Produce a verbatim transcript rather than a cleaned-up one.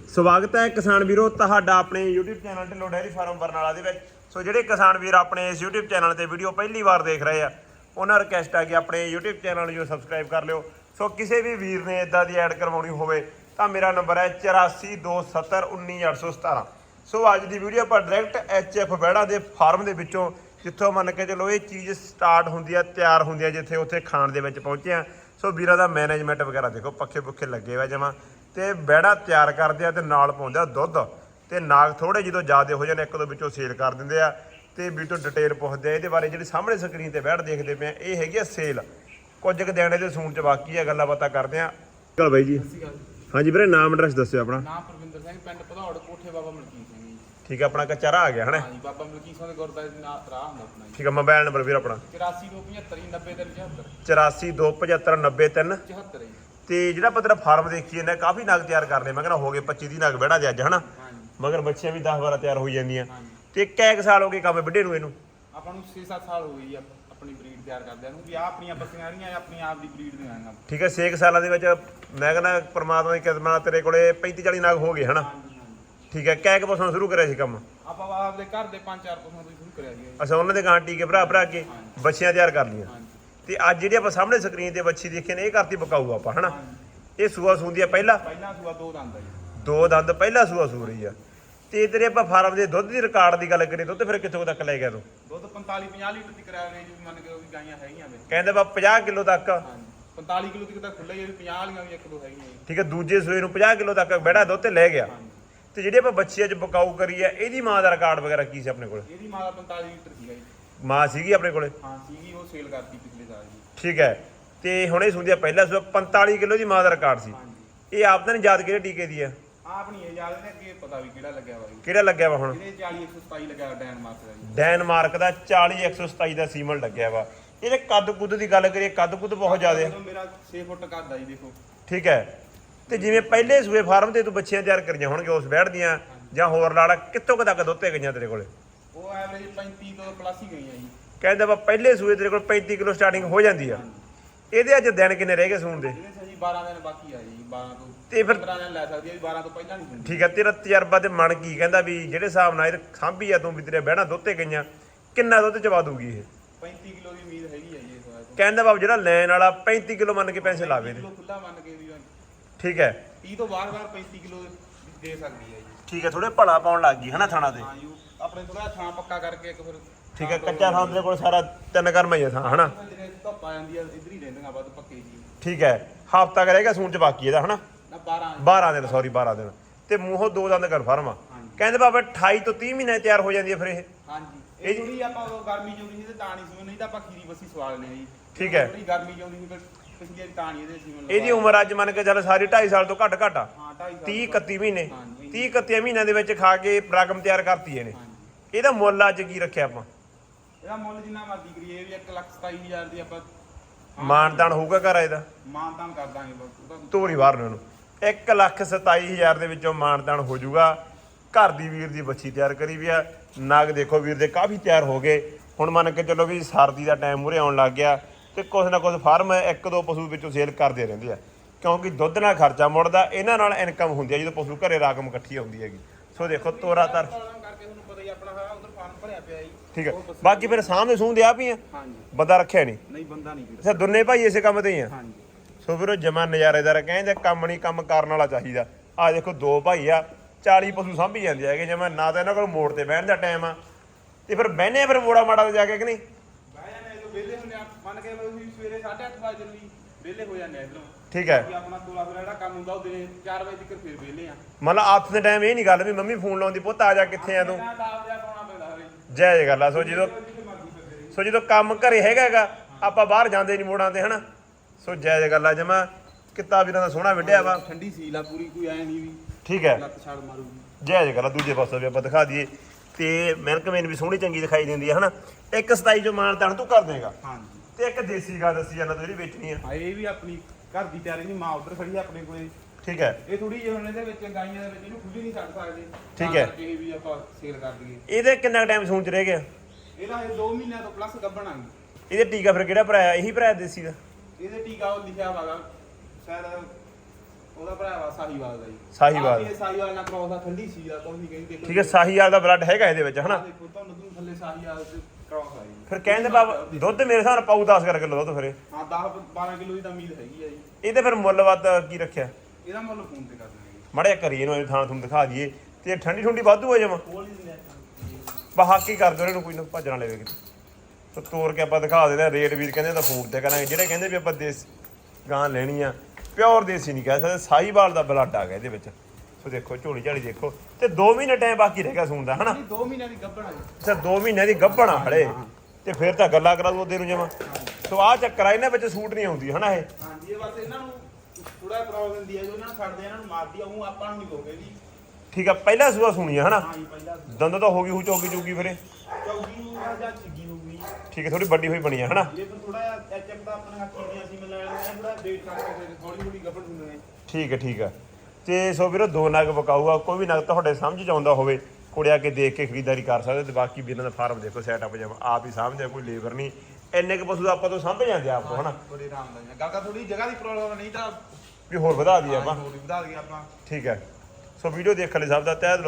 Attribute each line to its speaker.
Speaker 1: ਸਵਾਗਤ ਹੈ ਕਿਸਾਨ ਵੀਰੋ ਤੁਹਾਡਾ ਆਪਣੇ YouTube channel Dhillon dairy farm Barnala ਦੇ ਵਿੱਚ। ਸੋ ਜਿਹੜੇ ਕਿਸਾਨ ਵੀਰ ਆਪਣੇ ਇਸ YouTube ਚੈਨਲ ਤੇ ਵੀਡੀਓ ਪਹਿਲੀ ਵਾਰ ਦੇਖ ਰਹੇ ਆ ਉਹਨਾਂ ਰਿਕਵੈਸਟ ਹੈ ਕਿ ਆਪਣੇ YouTube ਚੈਨਲ ਨੂੰ ਸਬਸਕ੍ਰਾਈਬ ਕਰ ਲਿਓ। ਸੋ ਕਿਸੇ ਵੀ ਵੀਰ ਨੇ ਇਦਾਂ ਦੀ ਐਡ ਕਰਵਾਉਣੀ ਹੋਵੇ ਤਾਂ ਮੇਰਾ ਨੰਬਰ ਹੈ ਚੁਰਾਸੀ ਦੋ ਸੱਤਰ ਉੱਨੀ ਅੱਠ ਸੌ ਸਤਾਰਾਂ। ਸੋ ਅੱਜ ਦੀ ਵੀਡੀਓ ਆਪਾਂ ਡਾਇਰੈਕਟ ਐਚ ਐਫ ਬੈੜਾ ਦੇ ਫਾਰਮ ਦੇ ਵਿੱਚੋਂ ਜਿੱਥੋਂ ਮੰਨ ਕੇ ਚਲੋ ਇਹ ਚੀਜ਼ ਸਟਾਰਟ ਹੁੰਦੀ ਆ ਤਿਆਰ ਹੁੰਦੀ ਆ ਜਿੱਥੇ ਉੱਥੇ ਖਾਣ ਦੇ ਵਿੱਚ ਪਹੁੰਚੇ ਆ। ਸੋ ਵੀਰਾਂ ਦਾ ਮੈਨੇਜਮੈਂਟ ਵਗੈਰਾ ਦੇਖੋ ਪੱਖੇ ਪੁੱਖੇ ਲੱਗੇ ਹੋਏ ਜਮਾਂ ਤੇ ਬੈੜਾ ਤਿਆਰ ਕਰਦੇ ਆ ਤੇ ਨਾਲ ਪਾਉਂਦੇ ਆ ਦੁੱਧ ਤੇ ਨਾਗ ਥੋੜੇ ਜਦੋਂ ਜ਼ਿਆਦਾ ਹੋ ਜਾਣ ਇੱਕ ਦੋ ਵਿੱਚੋਂ ਸੇਲ ਕਰ ਦਿੰਦੇ ਆ ਤੇ ਵੀ ਤੋਂ ਡਿਟੇਲ ਪੁੱਛਦੇ ਆ ਇਹਦੇ ਬਾਰੇ। ਜਿਹੜੀ ਸਾਹਮਣੇ ਸਕਰੀਨ ਤੇ ਬੈੜ ਦੇਖਦੇ ਪਏ ਆ ਇਹ ਹੈਗੀ ਆ ਸੇਲ। ਕੁਝ ਕੁ ਦਿਨ ਇਹਦੇ ਸੂਣ ਚ ਬਾਕੀ ਆ ਗੱਲਾਂ ਬਾਤਾਂ ਕਰਦੇ ਆ। ਚਲ ਬਾਈ ਜੀ ਹਾਂਜੀ ਵੀਰੇ ਨਾਮ ਐਡਰੈਸ ਦੱਸਿਓ ਆਪਣਾ।
Speaker 2: ਨਾਮ ਪ੍ਰਵਿੰਦਰ ਸਿੰਘ ਪਿੰਡ ਭਦੌੜ ਕੋਠੇ ਬਾਬਾ ਮਲਕੀਤ ਸਿੰਘ ਜੀ।
Speaker 1: ਠੀਕ ਹੈ ਆਪਣਾ ਕੱਚਾ ਰਾਹ ਆ ਗਿਆ ਹਨਾ।
Speaker 2: ਹਾਂਜੀ ਬਾਬਾ ਮਲਕੀਤ ਸਿੰਘ ਦੇ ਗੁਰਦੁਆਰੇ ਦੇ ਨਾਲ ਰਾਹ ਹੁੰਦਾ ਆਪਣਾ ਜੀ।
Speaker 1: ਠੀਕ ਹੈ ਮੋਬਾਈਲ ਨੰਬਰ ਵੀਰ ਆਪਣਾ
Speaker 2: ਚੁਰਾਸੀ ਦੋ ਪਝੱਤਰ ਨੱਬੇ ਤਿੰਨ ਚੁਹੱਤਰ
Speaker 1: ਚੁਰਾਸੀ ਦੋ ਪਝੱਤਰ ਨੱਬੇ ਤਿੰਨ
Speaker 2: ਚੁਹੱਤਰ ਜੀ।
Speaker 1: ਤੇ ਜਿਹੜਾ ਆਪਾਂ ਤੇਰਾ ਫਾਰਮ ਦੇਖੀ ਜਾਂਦਾ ਕਾਫੀ ਨਗ ਤਿਆਰ ਕਰ ਲਏ। ਮੈਂ ਕਹਿੰਦਾ ਹੋ ਗਏ ਪੱਚੀ ਤੀਹ ਨਗ ਬੈੜਾ ਦੇ ਅੱਜ ਹਨਾ। ਮਗਰ ਬੱਚੀਆਂ ਵੀ ਦਸ ਬਾਰਾਂ ਤਿਆਰ ਹੋਈ ਜਾਂਦੀਆਂ ਤੇ ਕੈ ਕੁ ਸਾਲ ਹੋ ਗਏ ਕੰਮ ਵੱਡੇ ਨੂੰ ਇਹਨੂੰ?
Speaker 2: ਆਪਾਂ ਨੂੰ ਛੇ ਸੱਤ ਸਾਲ ਹੋ ਗਏ ਜੀ ਆਪਣੀ ਬਰੀਡ ਤਿਆਰ ਕਰਦਿਆਂ ਨੂੰ ਵੀ ਆ ਆਪਣੀਆਂ ਬੱਸੀਆਂ ਰਹੀਆਂ ਆਪਣੀ ਆਪ ਦੀ ਬਰੀਡ ਦੀਆਂ ਆਈਆਂ।
Speaker 1: ਠੀਕ ਹੈ ਛੇ ਕੁ ਸਾਲਾਂ ਦੇ ਵਿੱਚ ਮੈਂ ਕਹਿੰਦਾ ਪਰਮਾਤਮਾ ਦੀ ਕਿਰਪਾ ਨਾਲ ਤੇਰੇ ਕੋਲੇ ਪੈਂਤੀ ਚਾਲੀ ਨਗ ਹੋ ਗਏ ਹਨਾ। ਠੀਕ ਹੈ ਕੈ ਕੁ ਪਸੋਂ ਸ਼ੁਰੂ ਕਰਿਆ ਸੀ ਕੰਮ?
Speaker 2: ਆਪਾਂ ਆਪਦੇ ਘਰ ਦੇ ਪੰਜ ਚਾਰ ਪਸੋਂ ਤੋਂ ਸ਼ੁਰੂ ਕਰਿਆ ਜੀ।
Speaker 1: ਅੱਛਾ ਉਹਨਾਂ ਦੇ ਗਾਂ ਟੀਕੇ ਭਰਾ ਭਰਾ ਕੇ ਬੱਚੀਆਂ ਤਿਆਰ ਕਰ ਲਈਆਂ ਤੇ ਅੱਜ ਜਿਹੜੀ ਆਪਾਂ ਸਾਹਮਣੇ ਸਕਰੀਨ ਤੇ ਬੱਚੀ ਦੇਖੀ ਨੇ ਇਹ ਕਰਤੀ ਬਕਾਊ ਆਪਾਂ ਹਨਾ। ਇਹ ਸੂਆ ਸੂੰਦੀ ਆ ਪਹਿਲਾ
Speaker 2: ਪਹਿਲਾ ਸੂਆ ਦੋ ਦੰਦ ਆ ਜੀ।
Speaker 1: ਦੋ ਦੰਦ ਪਹਿਲਾ ਸੂਆ ਸੂ ਰਹੀ ਆ। ਤੇ ਤੇਰੇ ਆਪਾਂ ਫਾਰਮ ਦੇ ਦੁੱਧ ਦੀ ਰਿਕਾਰਡ ਦੀ ਗੱਲ ਕਰੀਏ ਦੁੱਧ ਫਿਰ ਕਿੱਥੋਂ ਤੱਕ ਲੈ ਗਿਆ ਤੂੰ?
Speaker 2: ਦੁੱਧ ਪੰਤਾਲੀ ਪੰਜਾਹ ਲੀਟਰ ਦੀ ਕਰਾਇਆ ਨੇ ਜੀ ਮੰਨ ਕੇ ਉਹ ਵੀ ਗਾਈਆਂ ਹੈਗੀਆਂ ਵਿੱਚ।
Speaker 1: ਕਹਿੰਦੇ ਬਾ ਪੰਜਾਹ ਕਿਲੋ ਤੱਕ।
Speaker 2: ਹਾਂਜੀ ਪੰਤਾਲੀ ਕਿਲੋ ਤੱਕ ਤਾਂ ਖੁੱਲਾ ਹੀ ਪੰਜਾਹ ਵਾਲੀਆਂ ਵੀ ਇੱਕ ਦੋ ਹੈਗੀਆਂ ਜੀ।
Speaker 1: ਠੀਕ ਹੈ ਦੂਜੇ ਸੂਏ ਨੂੰ ਪੰਜਾਹ ਕਿਲੋ ਤੱਕ ਬੈੜਾ ਦੁੱਧ ਤੇ ਲੈ ਗਿਆ। ਤੇ ਜਿਹੜੇ ਆਪਾਂ ਬੱਚੇ ਅੱਜ ਬਕਾਊ ਕਰੀ ਆ ਇਹਦੀ ਮਾਂ ਦਾ ਰਿਕਾਰਡ ਵਗੈਰਾ ਕੀ ਸੀ ਆਪਣੇ ਕੋਲ?
Speaker 2: ਇਹਦੀ ਮਾਂ ਦਾ ਪੰਤਾਲੀ ਲੀਟਰ ਸੀਗਾ ਜੀ।
Speaker 1: ਮਾਂ ਸੀਗੀ ਆਪਣੇ ਕੋਲੇ?
Speaker 2: ਹਾਂ ਸੀਗੀ ਉਹ ਸੇਲ ਕਰਤੀ ਪਿਛਲੇ ਸਾਲ ਜੀ।
Speaker 1: ਠੀਕ ਹੈ ਤੇ ਹੁਣ ਇਹ ਸੁਣਦੀ ਆ ਪਹਿਲਾ ਸੂਆ ਪੰਤਾਲੀ ਕਿਲੋ ਦੀ ਮਾਂ ਦਾ ਰਿਕਾਰਡ ਸੀ। ਇਹ ਆਪ ਤਾਂ ਨਹੀਂ ਯਾਦ ਕਿਹੜੇ ਟੀਕੇ ਦੀ ਆ?
Speaker 2: ਆਪਣੀ ਇਹ ਯਾਦ ਨੇ ਅੱਗੇ ਪਤਾ ਵੀ ਕਿਹੜਾ ਲੱਗਿਆ ਵਾ ਜੀ।
Speaker 1: ਕਿਹੜਾ ਲੱਗਿਆ ਵਾ ਹੁਣ?
Speaker 2: ਇਹਦੇ ਚਾਲੀ ਇੱਕ ਸੌ ਸਤਾਈ ਲੱਗਿਆ ਡੈਨਮਾਰਕ ਦਾ ਜੀ।
Speaker 1: ਡੈਨਮਾਰਕ ਦਾ ਚਾਲੀ ਇੱਕ ਸੌ ਸਤਾਈ ਦਾ ਸੀਮਨ ਲੱਗਿਆ ਵਾ। ਇਹਦੇ ਕੱਦ ਕੁੱਦ ਦੀ ਗੱਲ ਕਰੀਏ ਕੱਦ ਕੁੱਦ ਬਹੁਤ ਜ਼ਿਆਦਾ ਹੈ।
Speaker 2: ਮੇਰਾ ਛੇ ਫੁੱਟ ਕੱਦ ਆ ਜੀ ਦੇਖੋ।
Speaker 1: ਠੀਕ ਹੈ ਤੇ ਜਿਵੇਂ ਪਹਿਲੇ ਸੂਏ ਫਾਰਮ ਤੇ ਤੂੰ ਬੱਚੀਆਂ ਤਿਆਰ ਕਰੀਆਂ ਹੋਣਗੇ ਉਸ ਬੈਠਦੀਆਂ ਜਾਂ ਹੋਰ ਲਾੜਾ ਕਿੱਥੋਂ ਕੁ ਤੱਕ ਦੁੱਧ ਤੇ ਗਈਆਂ ਤੇਰੇ ਕੋਲੇ?
Speaker 2: ਉਹ ਐਵਰੇਜ ਪੈਂਤੀ ਤੋਂ ਪਲੱਸ ਹੀ ਗਈਆਂ ਜੀ।
Speaker 1: ਕਹਿੰਦਾ ਵਾ ਪਹਿਲੇ ਸੂਏ ਤੇਰੇ ਕੋਲ ਪੈਂਤੀ ਕਿਲੋ ਸਟਾਰਟਿੰਗ ਹੋ ਜਾਂਦੀ ਆ। ਇਹਦੇ ਅੱਜ ਦਿਨ ਕਿੰਨੇ ਰਹਿ ਗਏ ਸੂਣ ਦੇ?
Speaker 2: ਇਹਦੇ ਸਹੀ ਬਾਰਾਂ ਦਿਨ ਬਾਕੀ ਆ ਜੀ। ਬਾਰਾਂ ਤੋਂ
Speaker 1: ਤੇ ਫਿਰ
Speaker 2: ਪੰਦਰਾਂ ਦਿਨ ਲੈ ਸਕਦੀ ਆ ਜੀ। ਬਾਰਾਂ ਤੋਂ ਪਹਿਲਾਂ ਨਹੀਂ ਹੁੰਦੀ।
Speaker 1: ਠੀਕ ਹੈ ਤੇਰਾ ਤਜਰਬਾ ਤੇ ਮਨ ਕੀ ਕਹਿੰਦਾ ਵੀ ਜਿਹੜੇ ਹਿਸਾਬ ਨਾਲ ਇਹ ਸਾਂਭੀ ਆ ਤੂੰ ਵੀ ਤੇਰੇ ਬਹਿਣਾ ਦੁੱਧ ਤੇ ਗਈਆਂ ਕਿੰਨਾ ਦੁੱਧ ਚਵਾ ਦੂਗੀ ਇਹ?
Speaker 2: ਪੈਂਤੀ ਕਿਲੋ ਦੀ ਉਮੀਦ ਹੈਗੀ ਆ ਜੀ ਇਸ ਵਾਰ ਤੋਂ।
Speaker 1: ਕਹਿੰਦਾ ਬਾਬ ਜਿਹੜਾ ਲੈਣ ਵਾਲਾ ਪੈਂਤੀ ਕਿਲੋ ਮੰਨ ਕੇ ਪੈਸੇ ਲਾਵੇ ਤੇ।
Speaker 2: ਕਿਲੋ ਖੁੱਲਾ ਮੰਨ ਕੇ ਵੀ
Speaker 1: ਠੀਕ ਹੈ
Speaker 2: ਤੀਹ ਤੋਂ ਬਾਹਰ ਬਾਹਰ ਪੈਂਤੀ ਕਿਲੋ ਦੇ ਸਕਦੀ ਹੈ ਜੀ।
Speaker 1: ਠੀਕ ਹੈ ਥੋੜੇ ਭਲਾ ਪਾਉਣ ਲੱਗ ਗਈ ਹਨਾ ਥਾਣਾ ਤੇ।
Speaker 2: ਹਾਂ ਜੀ ਆਪਣੇ ਥੋੜਾ ਥਾਂ ਪੱਕਾ ਕਰਕੇ ਇੱਕ ਫਿਰ
Speaker 1: ਠੀਕ ਹੈ ਕੱਚਾ ਥਾਂ ਤੇਰੇ ਕੋਲ ਸਾਰਾ ਤਿੰਨ ਕਰਮਾ ਹੀ ਆ ਥਾਂ ਹਨਾ।
Speaker 2: ਜਿਹੜੇ ਧੁੱਪ ਆ ਜਾਂਦੀ ਆ ਇੱਧਰ ਹੀ ਰਹਿੰਦੀਆਂ ਵੱਧ ਪੱਕੇ ਜੀ।
Speaker 1: ਠੀਕ ਹੈ ਹਫ਼ਤਾ ਕ ਰਹੇਗਾ ਸੂਣ ਚ ਬਾਕੀ ਇਹਦਾ ਹਨਾ।
Speaker 2: ਨਾ ਬਾਰਾਂ
Speaker 1: ਬਾਰਾਂ ਦਿਨ ਸੌਰੀ ਬਾਰਾਂ ਦਿਨ ਤੇ ਮੂੰਹੋਂ ਦੋ ਦੰਦ ਕਨਫਰਮ ਆ। ਕਹਿੰਦੇ ਬਾਬਾ ਅਠਾਈ ਤੋਂ ਤੀਹ ਮਹੀਨੇ ਤਿਆਰ ਹੋ ਜਾਂਦੀ ਹੈ ਫਿਰ ਇਹ।
Speaker 2: ਹਾਂਜੀ ਇਹ ਥੋੜੀ ਆਪਾਂ ਗਰਮੀ ਚਾਉਂਦੀ ਸੀ ਤੇ ਤਾਂ ਨਹੀਂ ਸੀ ਨਹੀਂ ਤਾਂ ਆਪਾਂ ਖੀਰੀ ਬੱਸੀ ਸਵਾਲ ਲੈਣੀ ਜੀ।
Speaker 1: ਠੀਕ ਹੈ
Speaker 2: ਥੋੜੀ ਗਰਮੀ ਚਾਉਂਦੀ ਸੀ ਫਿਰ ਪਿਛਲੀ ਵਾਰੀ ਤਾਂ ਨਹੀਂ ਇਹਦੇ ਸੀ ਮੈਨੂੰ।
Speaker 1: ਇਹਦੀ ਉਮਰ ਅੱਜ ਮੰਨ ਕੇ ਚੱਲ ਸਾਰੀ ਢਾਈ ਸਾਲ ਤੋਂ ਘੱਟ ਘੱਟ ਆ।
Speaker 2: ਹਾਂ ਢਾਈ ਸਾਲ
Speaker 1: ਤੀਹ ਇਕੱਤੀ ਮਹੀਨੇ
Speaker 2: ਹਾਂਜੀ।
Speaker 1: ਤੀਹ ਇਕੱਤੀ ਮਹੀਨਿਆਂ ਦੇ ਵਿੱਚ ਖਾ ਕੇ ਰਕਮ ਤਿਆਰ ਕਰਤੀ ਇਹਨੇ। ਇਹਦਾ ਮੁੱਲ ਅੱਜ ਕੀ ਰੱਖਿਆ ਆਪਾਂ?
Speaker 2: ਇਹਦਾ ਮੁੱਲ ਜਿੰਨਾ ਮਰਜ਼ੀ ਕਰੀਏ ਇਹ ਵੀ ਇੱਕ ਲੱਖ ਸਤਾਈ ਹਜ਼ਾਰ ਦੀ ਆਪਾਂ
Speaker 1: ਮਾਨਤਾਨ ਹੋਊਗਾ ਘਰ ਇਹਦਾ?
Speaker 2: ਮਾਨਤਾਨ ਕਰ ਦਾਂਗੇ ਬਸ ਉਹਦਾ।
Speaker 1: ਤੋਰੀ ਬਾਹਰ ਨੂੰ ਇਹਨੂੰ ਇੱਕ ਲੱਖ ਸਤਾਈ ਹਜ਼ਾਰ ਦੇ ਵਿੱਚੋਂ ਮਾਨਤਾਨ ਹੋ ਜਾਊਗਾ। ਘਰ ਦੀ ਵੀਰ ਦੀ ਬੱਚੀ ਤਿਆਰ ਕਰੀ ਵੀ ਆ। ਨਗ ਦੇਖੋ ਵੀਰ ਦੇ ਕਾਫੀ ਤਿਆਰ ਹੋ ਗਏ। ਹੁਣ ਮੰਨ ਕੇ ਚੱਲੋ ਵੀ ਸਰਦੀ ਦਾ ਟਾਈਮ ਮੂਹਰੇ ਆਉਣ ਲੱਗ ਗਿਆ ਤੇ ਕੁਛ ਨਾ ਕੁਛ ਫਾਰਮ ਇੱਕ ਦੋ ਪਸ਼ੂ ਵਿੱਚੋਂ ਸੇਲ ਕਰਦੇ ਰਹਿੰਦੇ ਆ ਕਿਉਂਕਿ ਦੁੱਧ ਨਾਲ ਖਰਚਾ ਮੁੜਦਾ ਇਹਨਾਂ ਨਾਲ ਇਨਕਮ ਹੁੰਦੀ ਆ ਜਦੋਂ ਪਸ਼ੂ ਘਰੇ ਰਕਮ ਇਕੱਠੀ ਆਉਂਦੀ ਹੈਗੀ। ਸੋ ਦੇਖੋ ਤੋਰਾ ਤਰ
Speaker 2: ਕਰਕੇ ਤੁਹਾਨੂੰ ਪਤਾ ਹੀ ਆਪਣਾ ਹਾਂ ਉਧਰ ਫਾਰਮ ਭਰਿਆ ਪਿਆ ਜੀ।
Speaker 1: ਠੀਕ ਹੈ ਬਾਕੀ ਫਿਰ ਸਾਹਮਣੇ ਸੂਹਦੇ ਆ ਵੀ ਆ
Speaker 2: ਹਾਂਜੀ
Speaker 1: ਬੰਦਾ ਰੱਖਿਆ ਨਹੀਂ?
Speaker 2: ਨਹੀਂ ਬੰਦਾ ਨਹੀਂ
Speaker 1: ਅੱਛਾ ਦੋਨੇ ਭਾਈ ਇਸੇ ਕੰਮ ਤੇ ਹੀ ਆ।
Speaker 2: ਹਾਂਜੀ
Speaker 1: ਸੋ ਫਿਰ ਉਹ ਜਮਾ ਨਜ਼ਾਰੇਦਾਰ ਕਹਿੰਦੇ ਕੰਮ ਨਹੀਂ ਕੰਮ ਕਰਨ ਵਾਲਾ ਚਾਹੀਦਾ। ਆ ਦੇਖੋ ਦੋ ਭਾਈ ਆ ਚਾਲੀ ਪਸ਼ੂ ਸਾਂਭੀ ਜਾਂਦੇ ਹੈਗੇ ਜਮਾ ਨਾ ਤਾਂ ਇਹਨਾਂ ਕੋਲ ਮੋੜ ਤੇ ਬਹਿਣ ਦਾ ਟਾਈਮ ਆ ਤੇ ਫਿਰ ਬਹਿਨੇ ਫਿਰ ਮੋੜਾ ਮਾੜਾ ਤੇ ਜਾ ਕੇ ਕਿ ਨਹੀਂ?
Speaker 2: ਬਹਿ ਜਾਂਦੇ ਜਦੋਂ ਵਿਹਲੇ ਹੁੰਦੇ ਆ ਮੰਨ ਕੇ ਤੁਸੀਂ ਸਵੇਰੇ ਸਾਢੇ ਅੱਠ ਵਜੇ ਨੂੰ ਵੀ ਵਿਹਲੇ ਹੋ ਜਾਂਦੇ ਆ ਇਧਰੋਂ।
Speaker 1: ਠੀਕ ਹੈ
Speaker 2: ਆਪਣਾ ਤੋਲਾ ਫਿਰ ਜਿਹੜਾ ਕੰਮ ਹੁੰਦਾ ਉਹ ਦਿਨੇ ਚਾਰ ਵਜੇ ਤੱਕ ਫਿਰ ਵਿਹਲੇ ਆ।
Speaker 1: ਮਤਲਬ ਆਥ ਦੇ ਟਾਈਮ ਇਹ ਨਹੀਂ ਗੱਲ ਵੀ ਮੰਮੀ ਫੋਨ ਲਾਉਂਦੀ ਪੁੱਤ ਆ ਜਾ ਕਿੱਥੇ ਆ ਤੂੰ?
Speaker 2: ਨਾ ਦਾਬ ਜਿਹਾ ਪਾਉਣਾ ਪੈਂਦਾ ਹੋਵੇ
Speaker 1: ਜੈ ਜੈ ਗੱਲ ਆ। ਸੋ ਜਦੋਂ ਸੋ ਜਦੋਂ ਕੰਮ ਘਰੇ ਹੈਗਾ ਹੈਗਾ ਆਪਾਂ ਬਾਹਰ ਜਾਂਦੇ ਨਹੀਂ ਮੋੜਾਂ ਤੇ ਹਨਾ। ਸੋ ਜੈ ਜੈ ਗੱਲ ਆ ਜਮਾ ਕਿੱਤਾ ਵੀਰਾਂ ਦਾ ਸੋਹਣਾ ਵਿੱਢਿਆ ਵਾ।
Speaker 2: ਠੰਡੀ ਸੀਲ ਆ ਪੂਰੀ ਕੋਈ ਐ ਨਹੀਂ ਵੀ
Speaker 1: ਠੀਕ ਹੈ
Speaker 2: ਲੱਤ ਛਾੜ ਮਾਰੂਗੀ।
Speaker 1: ਜੈ ਜੈ ਗੱਲ ਆ। ਦੂਜੇ ਪਾਸੇ ਵੀ ਆਪਾਂ ਦਿਖਾ ਦਈਏ ਤੇ ਮਿਲਕ ਮੇਨ ਵੀ ਸੋਹਣੀ ਚੰਗੀ ਦਿਖਾਈ ਦਿੰਦੀ ਹੈ ਹਨਾ। ਇੱਕ ਸਤਾਈ ਜੋ ਮਾਨ ਤਾਣ ਤੂੰ ਕਰ ਦੇਗਾ।
Speaker 2: ਹਾਂਜੀ
Speaker 1: ਤੇ ਇੱਕ ਦੇਸੀ ਗਾ ਦੱਸੀ ਜਾਂਦਾ ਤੂੰ ਜਿਹੜੀ ਵੇਚਣੀ ਆ।
Speaker 2: ਹਾਂ ਇਹ ਵੀ ਆਪਣੀ ਘਰ ਦੀ ਤਿਆਰੀ ਨਹੀਂ ਮਾਂ ਉਧਰ ਖੜੀ ਆ ਆਪਣੇ ਕੋਲੇ।
Speaker 1: ਠੀਕ ਹੈ
Speaker 2: ਇਹ ਥੋੜੀ ਜਿਹੀ ਹੁਣ ਇਹਦੇ ਵਿੱਚ ਗਾਈਆਂ ਦੇ ਵਿੱਚ ਇਹਨੂੰ ਖੁੱਲੀ ਨਹੀਂ ਛੱਡ ਸਕਦੇ।
Speaker 1: ਠੀਕ ਹੈ
Speaker 2: ਇਹ ਵੀ ਆਪਾਂ ਸੇਲ ਕਰ ਦਈਏ।
Speaker 1: ਇਹਦੇ ਕਿੰਨਾ ਟਾਈਮ ਸੂਣ ਚ ਰਹਿ ਗਿਆ?
Speaker 2: ਇਹਦਾ ਇਹ ਦੋ ਮਹੀਨਿਆਂ ਤੋਂ ਪਲੱਸ ਗੱਭਣ ਆ ਗਈ।
Speaker 1: ਇਹਦੇ ਟੀਕਾ ਫਿਰ ਕਿਹੜਾ ਭਰਾਇਆ? ਇਹੀ ਭਰਾਇਆ ਦੇਸੀ ਦਾ?
Speaker 2: ਇਹਦੇ ਟੀਕਾ ਉਹ ਲਿਖਿਆ ਵਾਗਾ ਸ਼ਾਇਦ ਉਹਦਾ ਭਰਾ ਵਾ ਸਾਹੀਵਾਲ ਦਾ ਜੀ।
Speaker 1: ਸਾਹੀਵਾਲ।
Speaker 2: ਆਹ ਇਹ ਸਾਹੀਵਾਲ ਨਾਲ ਕ੍ਰੋਸ ਆ, ਠੰਡੀ ਸੀ ਦਾ ਕੋਈ ਨਹੀਂ ਕਹਿੰਦੀ ਦੇਖੋ।
Speaker 1: ਠੀਕ ਹੈ, ਸਾਹੀਵਾਲ ਦਾ ਬਲੱਡ ਹੈਗਾ ਇਹਦੇ ਵਿੱਚ ਹਨਾ।
Speaker 2: ਦੇਖੋ ਤੁਹਾਨੂੰ ਤੁਹਾਨੂੰ ਥੱਲੇ ਸਾਹੀਵਾਲ ਤੇ ਕ੍ਰੋਸ ਆ ਜੀ।
Speaker 1: ਫਿਰ ਕਹਿੰਦੇ ਬਾਬਾ ਦੁੱਧ ਮੇਰੇ ਹਿਸਾਬ ਨਾਲ ਪਾਊ ਦਸ ਕਰ ਕਿਲੋ ਦੁੱਧ ਫਿਰ ਇਹ।
Speaker 2: ਹਾਂ ਦਸ ਬਾਰਾਂ ਕਿਲੋ ਦੀ ਤਾਂ ਉਮੀਦ ਹੈਗੀ ਆ ਜੀ।
Speaker 1: ਇਹਦੇ ਫਿਰ ਮੁੱਲ ਵੱਧ ਕੀ ਰੱਖਿਆ?
Speaker 2: ਇਹਦਾ ਮੁੱਲ ਫੋਨ ਤੇ ਕਰ ਦੇਣਗੇ।
Speaker 1: ਮੜਿਆ ਕਰੀਏ ਇਹਨੂੰ ਥਾਂ ਤੁਹਾਨੂੰ ਦਿਖਾ ਦਈਏ ਤੇ ਠੰਡੀ ਠੁੰਡੀ ਵਾਧੂ ਹੋ ਜਾਵਾਂ।
Speaker 2: ਖੋਲ ਹੀ ਦਿੰਦੇ ਆ
Speaker 1: ਬਾਕੀ ਕਰ ਦਿਓ ਇਹਨੂੰ, ਕੋਈ ਨਾ ਭੱਜਣਾ ਲੈਵੇ ਕਿਤੇ। ਸੋ ਤੋਰ ਕੇ ਆਪਾਂ ਦਿਖਾ ਦਿੰਦੇ ਆ ਰੇਟ। ਵੀਰ ਕਹਿੰਦੇ ਤਾਂ ਫੋਨ ਤੇ ਕਰਾਂਗੇ। ਜਿਹੜੇ ਕਹਿੰਦੇ ਵੀ ਆਪਾਂ ਦੇਸ ਗਾਂ ਲੈਣੀ ਆ ਪਿਓਰ ਦੇਸੀ ਨਹੀਂ ਕਹਿ ਸਕਦੇ, ਸਾਹੀਵਾਲ ਦਾ ਬਲੱਡ ਆ ਗਿਆ ਇਹਦੇ ਵਿੱਚ। ਸੋ ਦੇਖੋ ਝੋਲੀ ਝਾੜੀ ਦੇਖੋ ਤੇ ਦੋ ਮਹੀਨੇ ਟਾਈਮ ਬਾਕੀ ਰਹਿ ਗਿਆ ਸੂਣ ਦਾ ਹਨਾ।
Speaker 2: ਨਹੀਂ ਦੋ ਮਹੀਨਿਆਂ ਦੀ ਗੱਭਣ ਆ ਜੀ।
Speaker 1: ਅੱਛਾ ਦੋ ਮਹੀਨਿਆਂ ਦੀ ਗੱਭਣ ਆ ਹਲੇ ਤੇ ਫਿਰ ਤਾਂ ਗੱਲਾਂ ਕਰਾ ਦੂ ਉਹਦੇ ਨੂੰ ਜਮਾ। ਸੋ ਆਹ ਚੱਕਰ ਆ, ਇਹਨਾਂ ਵਿੱਚ ਸੂਟ ਨਹੀਂ ਆਉਂਦੀ ਹਨਾ ਇਹ।
Speaker 2: ਹਾਂਜੀ ਇਹ ਬਸ ਇਹਨਾਂ ਨੂੰ ਥੋੜਾ ਪ੍ਰੋਬਲਮ ਹੁੰਦੀ ਹੈ ਜੋ ਇਹਨਾਂ ਨੂੰ ਛੱਡਦੇ ਇਹਨਾਂ ਨੂੰ ਮਾਰਦੀ ਆ, ਉਹ ਆਪਾਂ ਨੂੰ ਨਹੀਂ ਕਹੋਗੇ ਜੀ।
Speaker 1: ਠੀਕ ਆ, ਪਹਿਲਾ ਸੂਆ ਸੁਣੀ ਆ ਹਨਾ।
Speaker 2: ਹਾਂ ਜੀ ਪਹਿਲਾਂ
Speaker 1: ਦੰਦ ਤਾਂ ਹੋ ਗਈ ਹੂ ਚੌਗੀ ਚੁਗੀ ਫਿਰੇ।
Speaker 2: ਚੌਗੀ ਨੂੰ ਆ ਜਾਂ ਛਿੱਗੀ ਹੋ ਗਈ।
Speaker 1: ਠੀਕ ਹੈ, ਥੋੜੀ ਵੱਡੀ ਹੋਈ ਬਣੀ ਆ ਹਨਾ।
Speaker 2: ਇਹ ਫਿਰ ਥੋੜਾ ਜਿਹਾ ਐਚਐਮ ਦਾ ਆਪਣੇ ਹੱਥ ਦੀ ਅਸੀਂ ਮਿਲ ਲੈਣਾ ਥੋੜਾ ਵੇਟ ਕਰਕੇ ਥੋੜੀ ਥੋੜੀ ਗੱਭਣ ਹੁੰਦੇ ਨੇ।
Speaker 1: ਠੀਕ ਹੈ ਠੀਕ ਹੈ। ਤੇ ਸੋ ਵੀਰੋ ਦੋ ਨਗ ਵਿਕਾਊਗਾ, ਕੋਈ ਵੀ ਨਗ ਤੁਹਾਡੇ ਸਮਝ ਚ ਆਉਂਦਾ ਹੋਵੇ ਕੁੜਿਆ ਕੇ ਦੇਖ ਕੇ ਖਰੀਦਦਾਰੀ ਕਰ ਸਕਦੇ। ਤੇ ਬਾਕੀ ਵੀ ਇਹਨਾਂ ਦਾ ਫਾਰਮ ਦੇਖੋ ਸੈਟ ਅਪ ਜਮ ਆਪ ਹੀ ਸਾਂਭਦੇ, ਕੋਈ ਲੇਬਰ ਨਹੀਂ। ਇੰਨੇ ਕੁ ਪਸ਼ੂ ਆਪਾਂ ਤੋਂ ਸਾਂਭੇ ਜਾਂਦੇ ਆਪ ਤੋਂ ਹਨਾ।
Speaker 2: ਬੜੇ ਆਰਾਮ ਨਾਲ ਗੱਲ ਤਾਂ ਥੋੜੀ ਜਗ੍ਹਾ ਦੀ ਪ੍ਰੋਬਲਮ ਨਹੀਂ ਤਾਂ
Speaker 1: ਵੀ ਹੋਰ ਵਧਾ ਦਈਏ ਆਪਾਂ।
Speaker 2: ਹੋਰ ਵਧਾ ਦਈਏ ਆਪਾਂ।
Speaker 1: ਠੀਕ ਹੈ, ਸੋ ਵੀਡੀਓ ਦੇਖਣ ਲਈ ਸਭ ਦਾ ਤਹਿ ਦਿਲੋਂ